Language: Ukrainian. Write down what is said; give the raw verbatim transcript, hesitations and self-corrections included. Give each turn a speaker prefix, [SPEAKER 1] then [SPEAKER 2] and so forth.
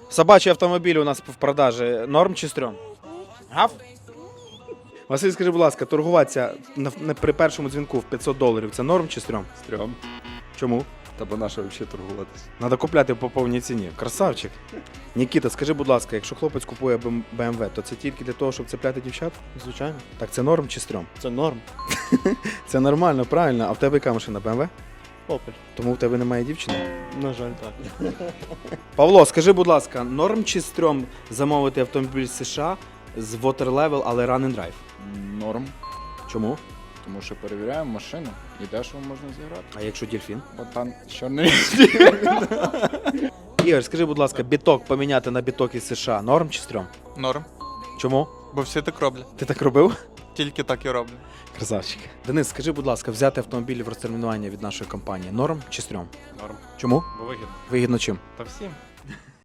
[SPEAKER 1] Собачий автомобіль у нас в продажі. Норм чи стрьом? Гав? Василь, скажи, будь ласка, торгуватися на, на, при першому дзвінку в п'ятсот доларів – це норм чи стрьом?
[SPEAKER 2] Стрьом.
[SPEAKER 1] Чому?
[SPEAKER 2] Та бо наша взагалі торгуватись.
[SPEAKER 1] Надо купляти по повній ціні. Красавчик. Нікіта, скажи, будь ласка, якщо хлопець купує Б М В, то це тільки для того, щоб цепляти дівчат?
[SPEAKER 3] Звичайно.
[SPEAKER 1] Так це норм чи стрьом?
[SPEAKER 3] Це норм.
[SPEAKER 1] Це нормально, правильно. А в тебе яка машина? Б М В?
[SPEAKER 3] Опель.
[SPEAKER 1] Тому в тебе немає дівчини?
[SPEAKER 3] На жаль, так.
[SPEAKER 1] Павло, скажи, будь ласка, норм чи стрьом замовити автомобіль з США з Water Level, але Run and Drive?
[SPEAKER 2] Норм.
[SPEAKER 1] Чому?
[SPEAKER 2] Тому що перевіряємо машину і дешево можна зіграти.
[SPEAKER 1] А якщо дельфін?
[SPEAKER 2] Бо там чорний.
[SPEAKER 1] Ігор, скажи, будь ласка, біток поміняти на біток із США норм чи стрьом?
[SPEAKER 4] Норм.
[SPEAKER 1] Чому?
[SPEAKER 4] Бо всі так роблять.
[SPEAKER 1] Ти так робив?
[SPEAKER 4] Тільки так і роблять.
[SPEAKER 1] Красавчик. Денис, скажи, будь ласка, взяти автомобіль в розтермінування від нашої компанії норм чи стрьом?
[SPEAKER 5] Норм.
[SPEAKER 1] Чому?
[SPEAKER 5] Бо вигідно.
[SPEAKER 1] Вигідно чим?
[SPEAKER 5] Та всім.